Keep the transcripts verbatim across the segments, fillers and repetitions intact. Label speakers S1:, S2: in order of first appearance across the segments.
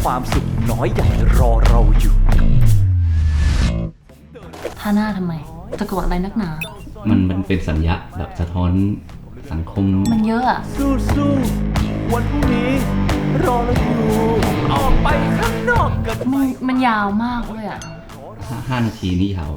S1: ความสุขน้อยใหญ่รอเราอยู่
S2: ท่าหน้าทำไมตะโกนอะไรนักหนา
S3: มันมันเป็นสัญญาแบบสะท้อนสังคม
S2: มันเยอะอะ
S1: สู้ๆวันพรุ่งนี้รอเราอยู่ออกไปข้างนอกกัน
S2: มันมันยาวมากเลยอะ
S3: ห้านาทีนี่ยาวย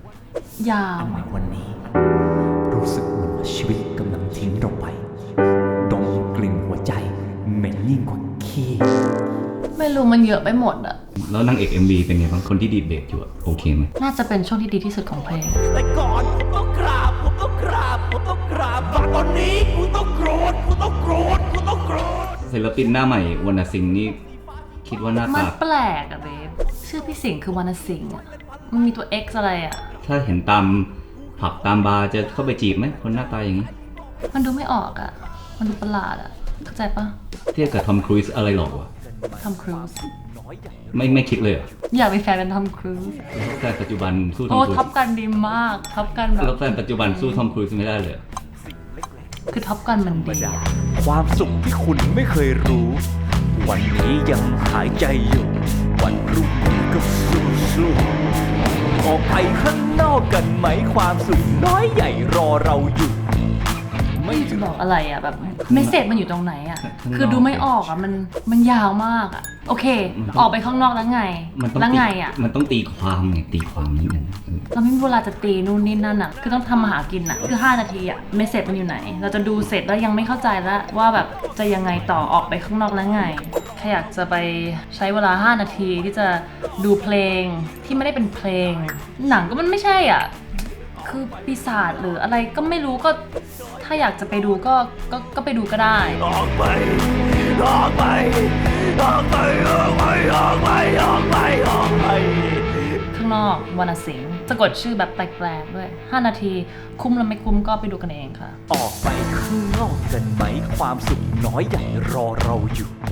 S2: าว
S1: ในวันนี้รู้สึกเหมือนชีวิตกำลังทิ้งเราไปดมกลิ่นหัวใจเหม็นยิ่งกว่าขี้
S2: ไม่รู้มันเยอะไปหมดอะ
S3: แล้วนางเอก เอ็ม วี เป็นไงบ้างคนที่ดีดเบสอยู่โอเคไหม
S2: น่าจะเป็นช่วงที่ดีที่สุดของเพลง
S1: แต่ก่อนผมต้องกราบผมต้องกราบผมต้องกราบตอนนี้กูต้องโกรธกูต้องโกรธกูต้องโกรธ
S3: ศิลปินหน้าใหม่วรรณสิงห์นี่คิดว่าหน้าตา
S2: มันแปลกอะเบฟชื่อพี่สิงห์คือวรรณสิงห์อะมันมีตัว X อะไรอะ
S3: ถ้าเห็นตามผับตามบาร์จะเข้าไปจีบไหมคนหน้าตาอย่างนี้
S2: มันดูไม่ออกอะมันดูประหลาดอะเข้าใจปะ
S3: เทียบกับทอมครูซอะไรหรอวะ
S2: ทอมครูซ
S3: ไม่ไม่คิดเลยเหรอ
S2: อยากเป็นแฟนกันทอมครูซ
S3: แต่ปัจจุบันสู้ทอม
S2: ครูซโอ้
S3: ท็
S2: อปกันดีมากท็อปกันแบบ
S3: แล้วแฟนปัจจุบันสู้ทอมครูซไม่ได้เลย
S2: คือท็อปกันมันดี
S1: ความสุขที่คุณไม่เคยรู้วันนี้ยังหายใจอยู่วันรุ่งนี้ก็สู้ๆออกไปข้างนอกกันไหมความสุขน้อยใหญ่รอเราอยู่
S2: ไม่จะบอกอะไรอ่ะแบบเมสเสจมันอยู่ตรงไหนอ่ะคือดูไม่ออกอ่ะมันมันยาวมากอ่ะโอเคออกไปข้างนอกแล้วไงแล้วไงอ่ะ
S3: มันต้องตีความไงตีความนิดนึง
S2: เราไม่มีเวลาจะตีนู่นนี่นั่นอ่ะคือต้องทำมาหากินอ่ะคือห้านาทีอ่ะเมสเสจมันอยู่ไหนเราจะดูเสร็จแล้วยังไม่เข้าใจแล้วว่าแบบจะยังไงต่อออกไปข้างนอกแล้วไงแค่อยากจะไปใช้เวลาห้านาทีที่จะดูเพลงที่ไม่ได้เป็นเพลงหนังก็มันไม่ใช่อ่ะคือปีศาจหรืออะไรก็ไม่รู้ก็ถ้าอยากจะไปดูก็ก็ก็ไปดูก็ได้
S1: ออกไปออกไปออกไปออกไปออกไปออกไปออกไป
S2: ข้างนอกวรรณสิงห์สะกดชื่อแบบแปลกๆด้วยห้านาทีคุ้มแล้วไม่คุ้มก็ไปดูกันเองค่ะ
S1: ออกไปข้างนอกกันไหมความสุขน้อยใหญ่รอเราอยู่